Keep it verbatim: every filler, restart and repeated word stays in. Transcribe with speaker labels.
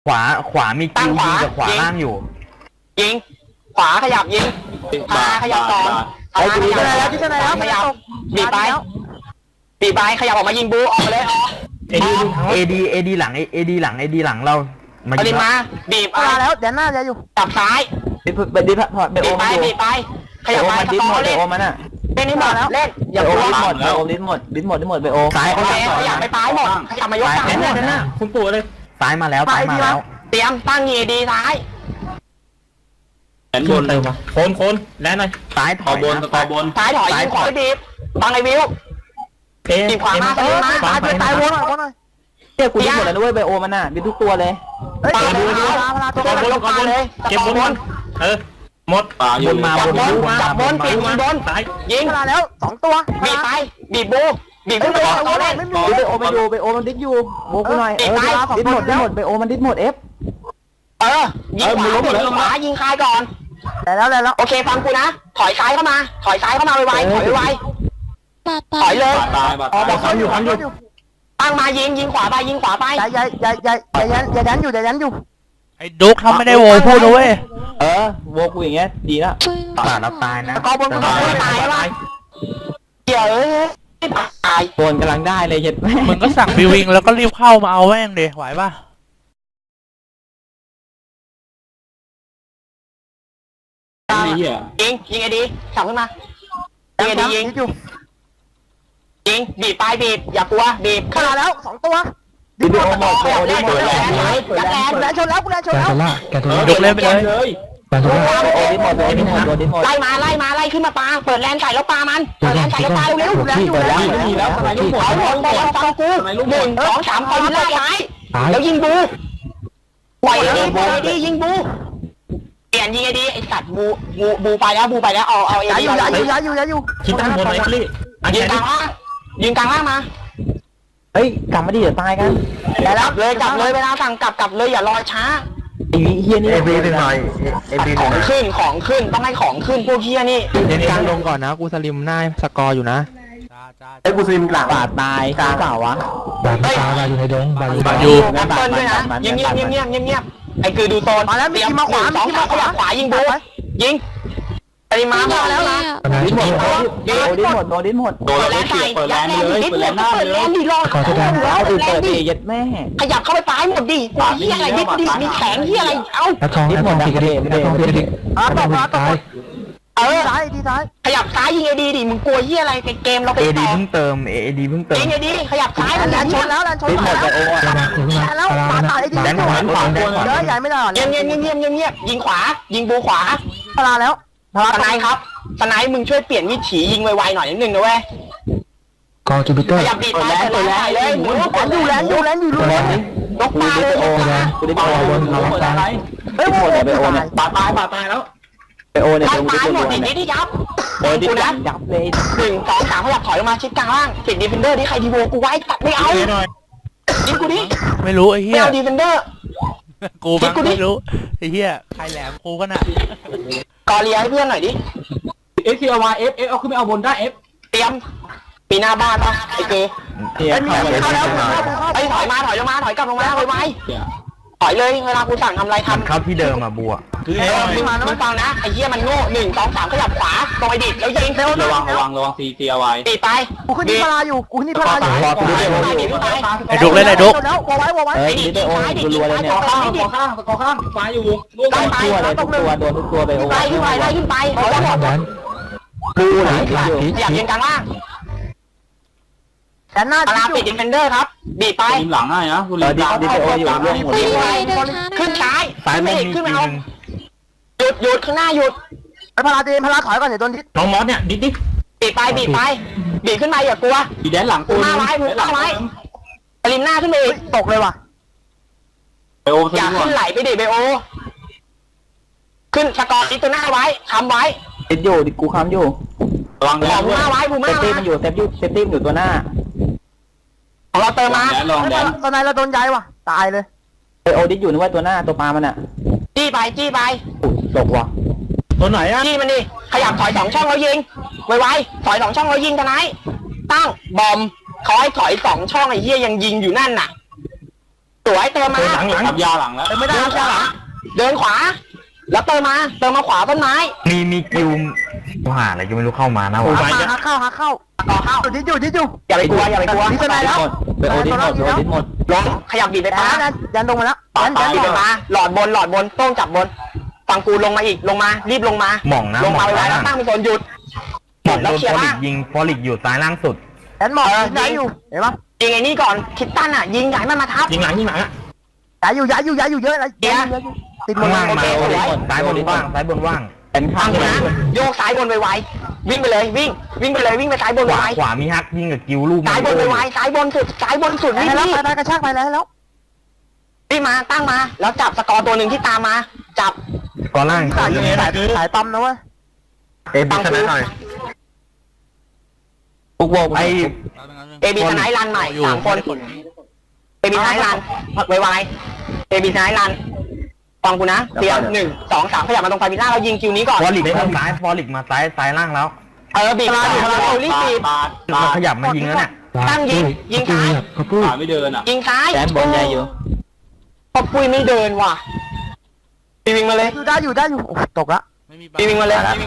Speaker 1: ขวาขวามีคิวยิงกับขวาล่างอยู่
Speaker 2: ยิงขวาขยับยิงพาขยับสองพาขยับแล้วที่ไหนแล้วขยับบีบไปบีบไปขยับออกมายิงบูออกมาเลย
Speaker 1: เอดีเอดีเอดีหลังเอดีหลังเอดีหลังเรา
Speaker 2: มาดิมาบีบมาแล้วเดี๋ยวหน้าจะอยู่จับซ้าย
Speaker 3: บีบบีบพอดบีบไป
Speaker 2: บีบไปขยับไป
Speaker 3: ดิสหมดเบโอมันอ่ะ
Speaker 2: เล่นนี่หมดแล้วเล่น
Speaker 3: อย่าโอดิสหมดเบโอดิสหมดดิสหมดดิสหมดเบโอ
Speaker 1: ซ้าย
Speaker 2: ขยับขยับไปซ้ายหมดขยับมายกซ้าย
Speaker 1: เนี่ยเนี่ยคุณปู่เลยซ้ายมาแล้วซ้ายมาแล้ว
Speaker 2: เตรียมตั้งเอดีซ้าย
Speaker 1: แอนบนเลยมาโคนโคนแล้วหน่อยซ้ายถอยบน
Speaker 2: ต่อบนซ้ายถอยยิงขวาบีบบังไอวิวบีบขวามาซ้ายมาซ้ายไปซ้ายวนหน่อยวนหน่อย
Speaker 3: เจ้ากูดิสหมดแล้วด้วยเบโอมันอ่ะบีบทุกตัวเลย
Speaker 2: เฮ้ยดูดูตัวบนลงมาเลย
Speaker 1: เก็บบนเออหมด
Speaker 3: บนมา
Speaker 2: บนมาจับบนปิดยิงบนยิงมาแล้วสองตัวบีบไปบีบบูบีบขึ้นไปตัวเล่น
Speaker 3: เบโอมันอยู่เบโอมันดิสอยู่โบกูหน่อยเออดิสหมดดิสหมดเบโอมันดิสหมดเอฟ
Speaker 2: เออยิงขวายิงขวายิงคายก่อนแต่แล้วแล้วโอเคฟังกูนะถอยซ้ายเข้ามาถอยซ้ายเข้ามาไวๆถอยไวถอยเลย
Speaker 1: อ๋อบอกเขาอยู่เขาอยู่
Speaker 2: ตั้งมายิงยิงขวาไปยิงขวาไปอย่าอย่าอย่าอย่าอย่ายันอย่ายันอยู่อย่ายันอยู่
Speaker 4: ไอ้ดุ๊กทำไม่ได้โวยพูดนะเว้ย
Speaker 3: เออโวกูอย่างเงี้ยดีแล้ว
Speaker 1: ตายแล้วตายนะ
Speaker 2: กอบนกอบนตายแล้วเดี๋ยวเอ้ยตาย
Speaker 3: โกนกำลังได้เลยเห็ด
Speaker 4: มึงก็สั่งบิวิงแล้วก็รีบเข้ามาเอาแม่งดิไหวป่ะ
Speaker 2: ยิงยิงไอ้ดีสั่งขึ้นมายิงไอ้ดียิงยิงบีบปลายบีบอย่ากลัวบีบขึ้นมาแล้วสองตัว
Speaker 3: ดิโอหมดเบโอดิโอแลนด์
Speaker 2: แลนด์แลนด์ชนแล้วแลนด์ชนแล้ว
Speaker 4: ดุ๊กเล่นไปเลย
Speaker 3: โอดิหมดโอดิหมดโอดิหมด
Speaker 2: ไล่มาไล่มาไล่ขึ้นมาปลาเปิดแลนใส่แล้วปลามันเปิดแลนใส่แล้วปลาเร็วๆแลนอยู่แล้ว
Speaker 3: มีแล้วทำไมลูกหมด
Speaker 2: เอาหมดไปแล้วฟังกูหนึ่งสองสามคอยยิงไล่ซ้ายแล้วยิงบูปล่อยดีปล่อยดียิงบูเปลี่ยนยิงไอ้ดีไอ้สัตว์บูบูบูไปแล้วบูไปแล้วเอาเอาไอ้ดีย้ายอยู่ย้ายอยู่ย้ายอยู่
Speaker 1: คิดตั้งบนไหนคลี่
Speaker 2: ยิงกลางล่างยิงกลางล่างมา
Speaker 3: เฮ้ยกลับมาดิเดี๋ยวตายกัน
Speaker 2: แต่แล้วเลยกลับเลยเวลาสั่งกลับกลับเลยอย่ารอช้า
Speaker 3: ไอ้เฮียนี่
Speaker 1: เอบีเป็นหน่อยเอบี
Speaker 2: ของขึ้นของขึ้นต้องให้ของขึ้นพวกเฮียนี่
Speaker 1: เน้นการลงก่อนนะกูสลิมหน้าสกอร์อยู่นะ
Speaker 3: ไอ้กูสลิมหลังบาดตายกลางเปล่าวะ
Speaker 1: บาดตายบาดอยู่ในดงบาดอยู่
Speaker 4: บาดอยู่
Speaker 2: แอปเปิลด้วยนะเงียบเงียบเงียบเงียบเงียบเงียบไอ้คือดูโซนมาแล้วมีมาขวาสองขาขวาขวายิงบูยิงไอ้มามาแล้วนะ
Speaker 3: ดิหมดโดดิหมดโดดิหมด
Speaker 2: โดนแล้วใส่เปิดแลนเลยเปิดแลนหน้าเลยดิรอ
Speaker 3: ขอโทษนะแล้วเปิดดียัดแม่
Speaker 2: ขยับเข้าไปปลายหมดดิเฮียอะไรดิดิมีแข็งเฮียอะไรเอ้า
Speaker 3: ดิหมดดิกระเด็นกระเด็นกระเด็น
Speaker 2: อ่ะตบมาตบเออซ้ายดีซ้ายขยับซ้ายยิงไอ้ดีดิมึงกลัวเฮียอะไรเกมเราไปต่อ
Speaker 1: เอดีเพิ่งเติมเอดีเพิ่งเติม
Speaker 2: ยิงไอ้ดีขยับซ้ายแลนชนแล้วแลนชนแล้วแล้วปาตายไอ้ดีแลนขวาขวาเยอะใหญ่ไม่ได้เงียบเงียบเงียบเงียบเงียบเงียบยิงขวายิงบูขวาพลาแล้วสไนครับสไนมึงช่วยเปลี่ยนวิถียิงไวๆหน่อยนิดนึงนะเว้ย
Speaker 1: กอจูปิเตอร์
Speaker 2: ขยับบีบไปเปิดแลนเลยหมุนแลนอยู่แลนอยู่แลนอยู่รู้ยกตาเลย
Speaker 3: โอ้กูได้โอ้บนเขาตายเฮ้ยโอ้เนี่ยไปโอ้เนี่ย
Speaker 2: ปาตายปาตายแล้ว
Speaker 3: ไปโอ้เนี่ย
Speaker 2: ตายหมดดิดิที่ยับ
Speaker 3: โอ้ดิยับยับเลย
Speaker 2: หนึ่งสองสามขยับถอยออกมาชิดกลางล่างปิดดีเฟนเดอร์ที่ใครดีโวกูไว้ตัดไม่เอายิงกูดิ
Speaker 4: ไม่รู้ไอ้เหี้ย
Speaker 2: ดีเฟนเดอร์
Speaker 4: กูไม่รู้ไอ้เหี้ยใครแหลมกูก็น่ะ
Speaker 2: กอเลียให้เพื่อนหน่อยดิ
Speaker 3: เอฟซีเอาวาเอฟเอฟเอาขึ้นไปเอาบนได้เอฟ
Speaker 2: เตรียมปีหน้าบ้านป่ะไอ้เกย์ไอ้มีเข้าแล้วไอ้ถอยมาถอยลงมาถอยกลับลงมาเลยไหมถอยเลยเวลากูสั่งทำอะไรทำ
Speaker 1: ครับที่เดิมมาบัว
Speaker 2: คือไอ้ที่มาแล้วมันฟังนะไอ้เหี้ยมันโง่หนึ่งสองสามขยับขวาตรงไอ้ดิดแล้วยิง
Speaker 3: ระวังระวังระวังซีซีเอาไว้
Speaker 2: ตีไปกูขึ้นที่พลาอยู่กูขึ้นที่พลาอยู่
Speaker 4: ไอ้ดุ๊กเล่นไอ้ดุ๊ก
Speaker 2: แล้ววอไว้วอไว้
Speaker 3: ไอ้ดิดโอ้ยรัวเลยเนี่ย
Speaker 2: ข้างข้างข้างข้างฟ้าอยู่ลูกไล่ไป
Speaker 3: ทุกตัวโดนทุกตัวไปโอ้
Speaker 2: ยไล่ขึ้นไปไล่ขึ้นไปขอแล้วหมด
Speaker 3: ดูไหน
Speaker 2: ขยับยืนกลางล่างแต่หน้าตาปิดดิเฟนเดอร์ครับบีบไป
Speaker 3: ทีมหลังให้นะคุณดิดิโออยู่เรื่องหมด
Speaker 2: ขึ้นซ้ายซ้ายไม่ขึ้นไม่เอาหยุดหยุดข้างหน้าหยุดไอ้พลาเดนพลาถอยก่อนเดี๋ยวโดนทิศ
Speaker 1: น้องมอสเนี่ยดิดิ
Speaker 2: บีบไปบีบไปบีบขึ้นมาอย่ากลัว
Speaker 3: บีแดนหลัง
Speaker 2: กูหน้าไว้มึงหน้าไว้ปริมหน้าขึ้นไปอีกตกเลยว่ะ
Speaker 3: เบโอ
Speaker 2: อย่าขึ้นไหลไปดิเบโอขึ้นสกอร์ติตัวหน้าไว้ค้ำไว้
Speaker 3: ติดอยู่ดิกูค้ำอยู่
Speaker 2: ระวังเลยบูม่าไว้บูม่า
Speaker 3: เซฟตี้มันอยู่เซฟตี้เซฟตี้อยู่ตัวหน้า
Speaker 2: ของเราเติมมาตอนไหนเราโดนย้ายว่ะตายเลย
Speaker 3: ไอโอดิสอยู่นึกว่าตัวหน้าตัวปลามันอ่ะ
Speaker 2: จี้ไปจี้ไป
Speaker 3: ตกว่ะ
Speaker 1: ตัวไหนอ่ะ
Speaker 2: จี้มันดิขยับถอยสองช่องแล้วยิงไวๆถอยสองช่องแล้วยิงทนายตั้งบอมเขาให้ถอยสองช่องไอ้เหี้ยยังยิงอยู่นั่นน่ะสวยเติมมา
Speaker 1: หลังหลังขับยาวหลังแล้ว
Speaker 2: ไม่ได้ครับหลังเดินขวา แล้วเติมมาเติมมาขวาต้นไม้
Speaker 5: มีมีกิวหาอะไรก็ไม่รู้เข้ามานะวะ
Speaker 3: หักเข้าหักเข้า
Speaker 2: ต่อเข้า
Speaker 3: ดิดอยู่ดิดอยู่
Speaker 2: อย่าไปกลัวอย่าไปกลัว
Speaker 3: ดิสไนแล้ว
Speaker 1: ไปโอดิสหมดโอดิสหมด
Speaker 2: ลงขยับบีบไป
Speaker 3: ยั
Speaker 2: ฟ้าน
Speaker 3: ยันลงมาแล้ว
Speaker 2: ยั
Speaker 3: ยั
Speaker 2: น
Speaker 3: นยัน
Speaker 2: บีบไปฟ้าหลอดบนหลอดบนต้องจับบนฝั่งกูลงมาอีกลงมารีบลงมา
Speaker 5: หม่องนะ
Speaker 2: ลงมา
Speaker 5: หม่อง
Speaker 2: ไว้แล้ว
Speaker 5: นะ
Speaker 2: ตั้งเป็นโซนหยุด
Speaker 5: หม่อง
Speaker 2: แล้
Speaker 5: โด
Speaker 2: วน เคลีย
Speaker 5: ฟ
Speaker 2: ร์
Speaker 5: อลิ
Speaker 2: ล่าง
Speaker 5: กยิงฟอลิกอยู่ซ้ายล่างสุด
Speaker 3: ยันหมอกย้ายอยู่เห็นปะ
Speaker 2: ยิงไอ้นี่ก่อนคิดตั้นอ่ะยิงใหญ่มันมาทับ
Speaker 1: ยิงหลังยิงหลังอ่ะ
Speaker 3: ย้ายอยู่ย้ายอยู่ย้ายอยู่เยอะเลยติดหม
Speaker 5: ข้า
Speaker 3: ด
Speaker 5: ง
Speaker 3: เล
Speaker 5: ล่าง
Speaker 3: ย
Speaker 5: มา
Speaker 2: โอเค
Speaker 5: โอดิสซ้ายบนว่างซ้ายบนว่าง
Speaker 1: เป็นข้า
Speaker 2: ฟั
Speaker 1: ง
Speaker 2: ง
Speaker 1: เล
Speaker 2: กู
Speaker 1: ย
Speaker 2: นะโยกซ้ายบนไวๆวิ่งไปเลยวิ่ง วิ่งไปเลยวิ่งไปซ้ายบน
Speaker 5: ขวา
Speaker 2: ไว
Speaker 5: ขวามีฮักยิงกับกิวลูก
Speaker 2: ๆซ้ายบนไวๆซ้ายบนสุดซ้ายบนสุด
Speaker 3: ไป
Speaker 2: รีบ
Speaker 3: แล้ว
Speaker 2: รีบ
Speaker 3: ไปกระชากไปแล้วแล้ว
Speaker 2: รีบมาตั้งมา แล้วจับสกอร์ตัวหนึ่งที่ตามมา จับ
Speaker 5: ก่อนล่าง
Speaker 3: สายสายสายปั๊มนะเว้ย
Speaker 5: เอ็มชนะหน่อย
Speaker 1: ปุ๊กโบ
Speaker 5: ไอ
Speaker 2: เอบีสไนท์รันใหม่สามคนเอบีสไนท์รันไวๆเอบีสไนท์รันฟังกูนะเตรียมหนึ่งสองสามขยับมาตรงไฟมิล่าเรายิงคิวนี้ก่อน
Speaker 5: ฟอลิกมาซ้ายฟอลิกมาซ้ายซ้ายล่างแล้ว
Speaker 2: เออบีบมาเรารีบบีบ
Speaker 5: มันขยับมายิงแล้วเนี่ย
Speaker 2: ตั้งยิงยิงซ้าย
Speaker 1: ขาไม่เดินอ่ะ
Speaker 2: ยิงซ้าย
Speaker 1: แดนบอลใหญ่อยู่
Speaker 2: พอปุ้ยไม่เดินว่ะปีวิ่งมาเลย
Speaker 3: อยู่ได้อยู่ได้อยู่ตกละ
Speaker 4: ไม่มี
Speaker 2: ปีวิ่งมาเลย